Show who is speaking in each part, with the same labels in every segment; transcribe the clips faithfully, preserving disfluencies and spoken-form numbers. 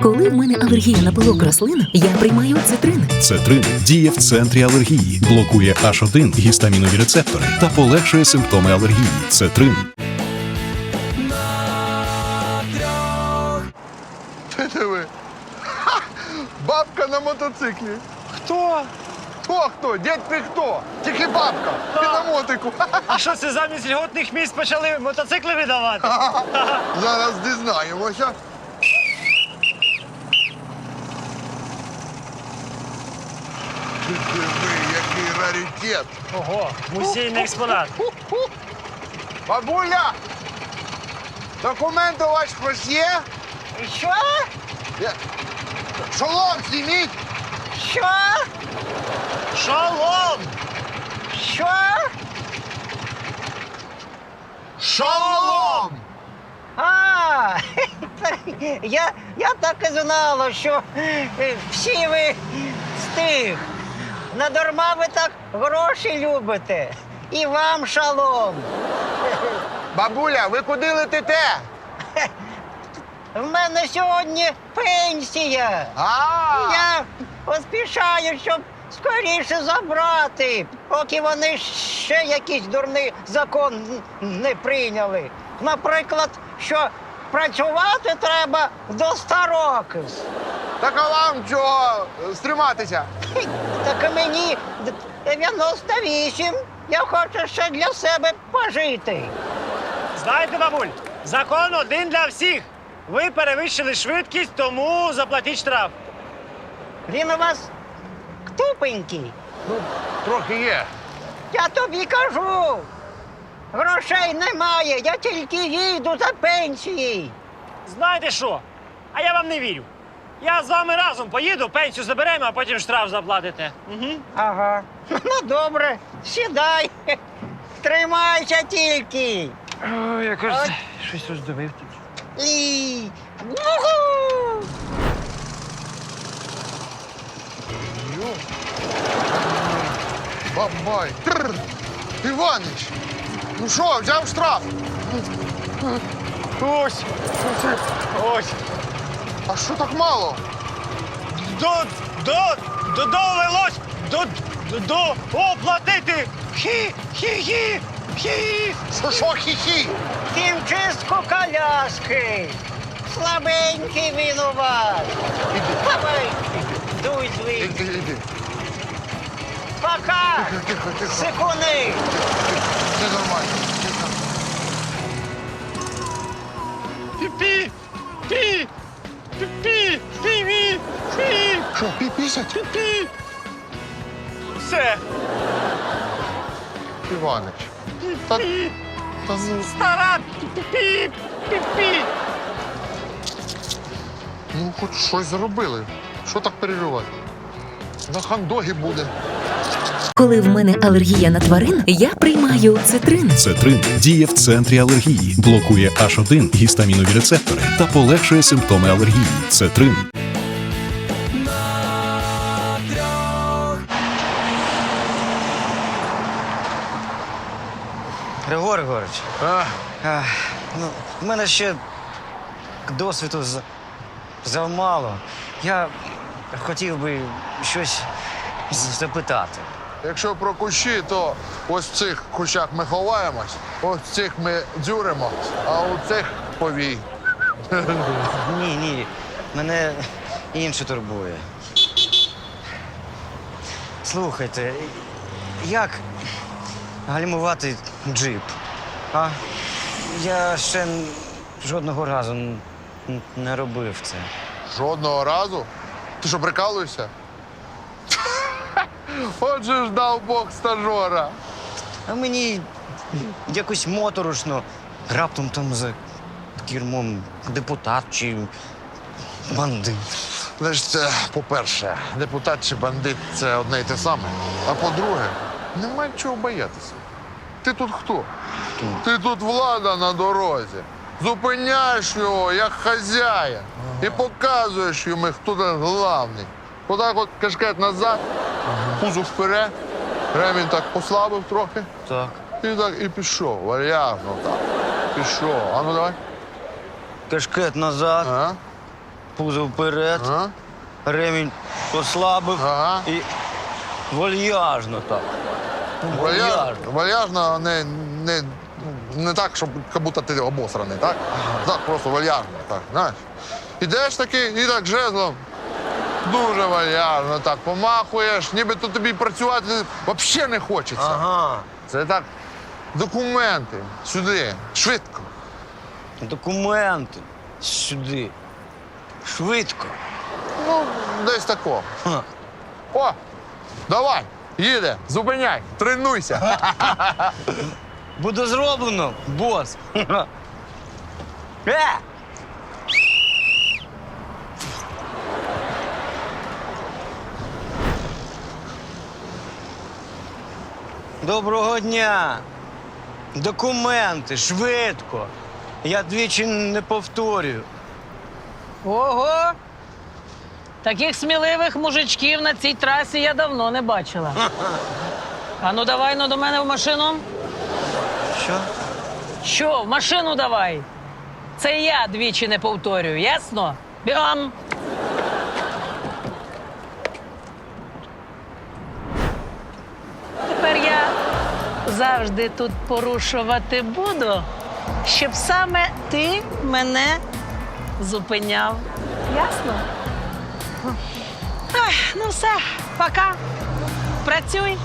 Speaker 1: Коли в мене алергія на пилок рослин, я приймаю цитрин.
Speaker 2: Цетрин діє в центрі алергії, блокує аш один гістамінові рецептори та полегшує симптоми алергії. Цетрин.
Speaker 3: Ти диви. Ха! Бабка на мотоциклі.
Speaker 4: Хто?
Speaker 3: Хто хто? Дядь ти хто? Тільки бабка. Ти на мотику.
Speaker 4: А що це замість льготних місць почали мотоцикли видавати?
Speaker 3: Зараз дізнаємося. Ти диви, який раритет.
Speaker 4: Ого, музейний експонат.
Speaker 3: Бабуля! Документи у вас хтось є?
Speaker 5: Що?
Speaker 3: Я- Шолом зніміть!
Speaker 5: Що?
Speaker 4: Шолом!
Speaker 5: Що?
Speaker 3: Шолом!
Speaker 5: А, я, я так і знала, що е, всі ви з тих. Надарма ви так гроші любите. І вам шалом.
Speaker 3: Бабуля, ви куди летите?
Speaker 5: В мене сьогодні пенсія.
Speaker 3: А,
Speaker 5: Я поспішаю, щоб скоріше забрати, поки вони ще якийсь дурний закон не прийняли. Наприклад, що працювати треба до ста років.
Speaker 3: так а вам чого стриматися?
Speaker 5: Хі, Так і мені дев'яносто вісім. Я хочу ще для себе пожити.
Speaker 4: Знаєте, бабуль, закон один для всіх. Ви перевищили швидкість, тому заплатіть штраф.
Speaker 5: Він у вас тупенький.
Speaker 3: Ну, трохи є.
Speaker 5: Я тобі кажу. Грошей немає, я тільки їду за пенсією.
Speaker 4: Знаєте що? А я вам не вірю. Я з вами разом поїду, пенсію заберемо, а потім штраф заплатите. Угу.
Speaker 5: Ага. Ну, добре, сідай. Тримайся тільки.
Speaker 4: Ой, я кажу,
Speaker 5: От.
Speaker 4: щось роздивив тут.
Speaker 5: І... Уху!
Speaker 3: Бабай. Тррр. Іванич, ну що, взяв штраф?
Speaker 4: Ось, ось.
Speaker 3: А що так мало?
Speaker 4: До, до, до, довелось до, до, до оплатити. Хі, хі, хі, хі.
Speaker 3: Що, що, хі-хі?
Speaker 5: Хімчистку коляски. Слабенький він у вас. Давай, дуй звідси.
Speaker 3: Іди, іди.
Speaker 5: Пока.
Speaker 3: Тихо, тихо, тихо.
Speaker 5: Секунди.
Speaker 3: Все нормально. Тихо.
Speaker 4: Пі, пі, пі, пі, пі, пі, пі,
Speaker 3: Що, пі-пісять?
Speaker 4: пі. Все.
Speaker 3: Іванич. Та, та ну,
Speaker 4: Стара пі, пі, пі, пі.
Speaker 3: ну, хоч щось зробили. Що так переживати? На хандогі буде.
Speaker 1: Коли в мене алергія на тварин, я приймаю цитрин.
Speaker 2: Цетрин діє в центрі алергії, блокує аш один гістамінові рецептори та полегшує симптоми алергії. Цетрин.
Speaker 6: Григорій Григорович,
Speaker 3: А,
Speaker 6: а, ну, в мене ще досвіду з- замало. Я хотів би щось з- запитати.
Speaker 3: якщо про кущі, то ось в цих кущах ми ховаємось, ось в цих ми дзюримо, а у цих повій.
Speaker 6: Ні, ні, мене інше турбує. Слухайте, як гальмувати джип? А? Я ще н- жодного разу н- н- не робив це.
Speaker 3: Жодного разу? Ти що, прикалуєшся? Отже ж дав Бог стажора.
Speaker 6: А мені якось моторошно, раптом там за кермом депутат чи бандит.
Speaker 3: Знаєш, це, по-перше, депутат чи бандит це одне й те саме. А по-друге, немає чого боятися. Ти тут хто? Ти тут влада на дорозі. Зупиняєш його як хазяїн і показуєш йому, хто тут главний. Отак от кашкет назад, пузо вперед, ремінь так послабив трохи.
Speaker 6: Так.
Speaker 3: І так і пішов, вальяжно так. Пішов. А ну давай.
Speaker 6: Кашкет назад.
Speaker 3: Ага.
Speaker 6: пузо вперед,
Speaker 3: А?
Speaker 6: ремінь послабив
Speaker 3: Ага.
Speaker 6: і вальяжно так.
Speaker 3: Вальяж, вальяжно, не, не, не так, щоб як будто ти обосраний, так? Так, просто вальяжно, так, знаєш. Ідеш таки і так жезлом. Дуже вальяжно так помахуєш, ніби то тобі працювати взагалі не хочеться.
Speaker 6: Ага.
Speaker 3: Це так, документи сюди, швидко.
Speaker 6: Документи сюди. Швидко.
Speaker 3: Ну, десь тако.
Speaker 6: Ха.
Speaker 3: О, давай, їде, зупиняй, тренуйся.
Speaker 6: Буде зроблено, бос. Е! Доброго дня. Документи, швидко. Я двічі не повторюю.
Speaker 7: Ого! Таких сміливих мужичків на цій трасі я давно не бачила. А ну давай ну до мене в машину.
Speaker 6: Що?
Speaker 7: Що, в машину давай? Це я двічі не повторюю, ясно? Бігом! Тепер я завжди тут порушувати буду, щоб саме ти мене зупиняв. Ясно? Ах, ну все, пока. Працюй.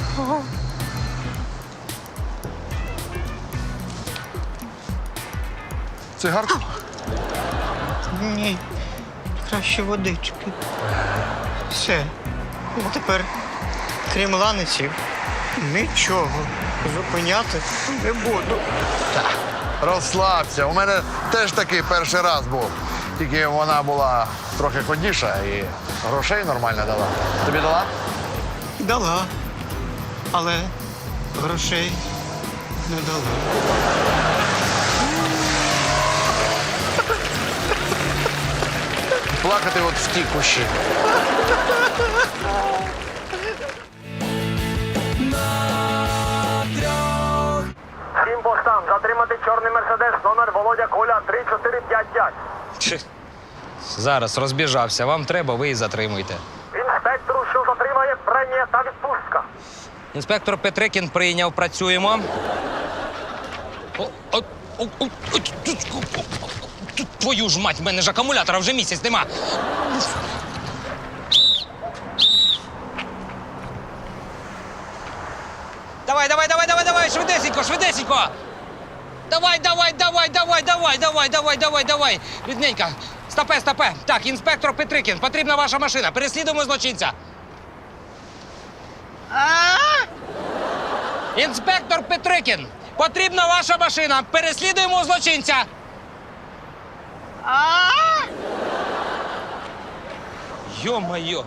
Speaker 3: Цигарку?
Speaker 5: Ні, краще водички. Все. Ну, тепер, крім ланиців, нічого зупиняти не буду.
Speaker 3: Розслабся. У мене теж такий перший раз був. Тільки вона була трохи ходіша і грошей нормально дала. Тобі дала?
Speaker 5: Дала, але грошей не дала.
Speaker 3: Плакати от в ті кущі.
Speaker 4: Всім постам, затримати чорний мерседес, номер Володя Коля три чотири п'ять п'ять.
Speaker 8: Чи- Зараз розбіжався. Вам треба, ви і затримуйте.
Speaker 4: Інспектору, що затримає, премія та відпустка.
Speaker 8: Інспектор Петрикін прийняв, працюємо. О, о, о, о, о, тут, о, о, тут, твою ж мать, в мене ж акумулятора вже місяць нема. Давай, давай, давай, давай, давай, швидесенько, швидесенько. Давай, давай, давай, давай, давай, давай, давай, давай, давай. Рідненько. Стопе, стопе. Так, інспектор Петрикін, потрібна ваша машина. Переслідуємо злочинця. Інспектор Петрикін, потрібна ваша машина. Переслідуємо злочинця. Йо-моє.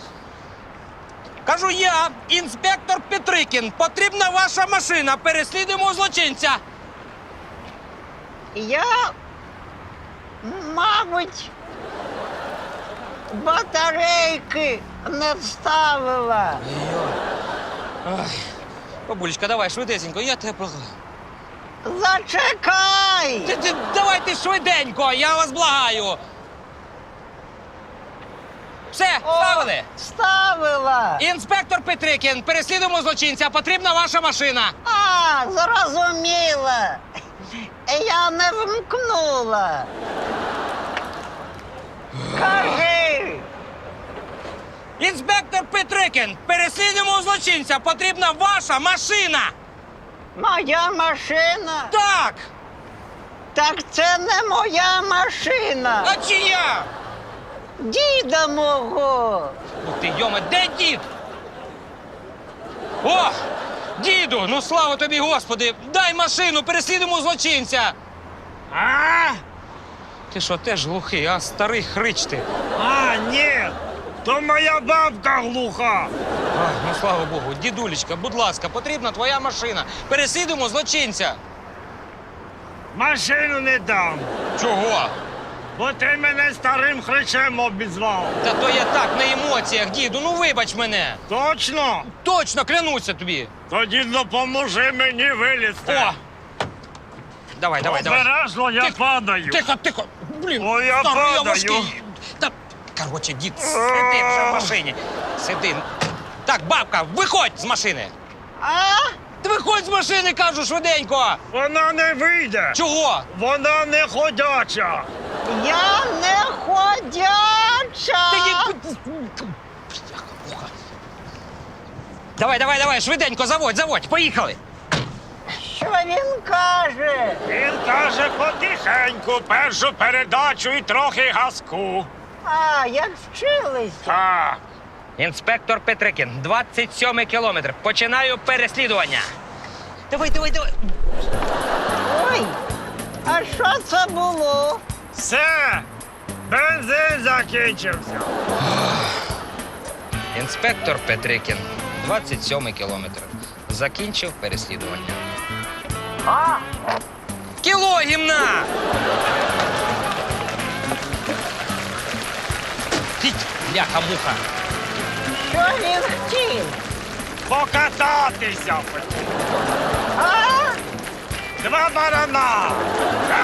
Speaker 8: Кажу я, інспектор Петрикін, потрібна ваша машина. Переслідуємо злочинця.
Speaker 5: Я, мабуть, батарейки не вставила.
Speaker 8: Бабулечка, давай швидесенько, я тебе благаю.
Speaker 5: Зачекай!
Speaker 8: Ти, ти, давайте швиденько, я вас благаю. Все,
Speaker 5: О,
Speaker 8: ставили?
Speaker 5: Ставила.
Speaker 8: Інспектор Петрикін, переслідуємо злочинця, потрібна ваша машина.
Speaker 5: А, зрозуміла. Я не вмкнула. Кажи,
Speaker 8: Інспектор Петрикін, переслідуємо злочинця, потрібна ваша машина.
Speaker 5: моя машина?
Speaker 8: Так,
Speaker 5: Так це не моя машина.
Speaker 8: а чия?
Speaker 5: Діда мого.
Speaker 8: Ну ти, йоме, де дід? О, діду, ну слава тобі, Господи, дай машину, переслідуємо злочинця.
Speaker 4: А?
Speaker 8: Ти що, теж глухий, а старий хрич ти?
Speaker 4: А, ні, то моя бабка глуха.
Speaker 8: А, ну слава Богу, дідулечка, будь ласка, потрібна твоя машина. Переслідуємо злочинця.
Speaker 4: Машину не дам,
Speaker 8: Чого?
Speaker 4: бо ти мене старим хричем обізвав.
Speaker 8: Та то я так на емоціях, діду, ну вибач мене.
Speaker 4: Точно?
Speaker 8: Точно, клянуся тобі.
Speaker 4: Тоді допоможи мені вилізти.
Speaker 8: О! Давай, давай, давай.
Speaker 4: Обережно, я
Speaker 8: Тихо,
Speaker 4: падаю.
Speaker 8: Тихо, тихо. Блін,
Speaker 4: О, я
Speaker 8: старий, я
Speaker 4: падаю.
Speaker 8: важкий. Короче, дід, сиди вже в машині. Сиди. Так, бабка, виходь з машини.
Speaker 5: А?
Speaker 8: Ти виходь з машини, кажу, швиденько.
Speaker 4: Вона не вийде!
Speaker 8: Чого?
Speaker 4: Вона не ходяча!
Speaker 5: Я не ходяча!
Speaker 8: Ти ні- Давай, давай, давай, швиденько, заводь, заводь, поїхали.
Speaker 5: Що він каже?
Speaker 4: Він каже потихеньку, першу передачу і трохи газку.
Speaker 5: А, як вчилися?
Speaker 4: А,
Speaker 8: Інспектор Петрикін, двадцять сьомий кілометр. Починаю переслідування. Давай, давай, давай.
Speaker 5: Ой, а що це було?
Speaker 4: все! Бензин закінчився.
Speaker 8: Інспектор Петрикін, двадцять сьомий кілометр. Закінчив переслідування. Кіло гімна! Тіть, бляха-муха.
Speaker 5: Що він хотів?
Speaker 4: Покататися хотів.
Speaker 5: А?
Speaker 4: Два барана.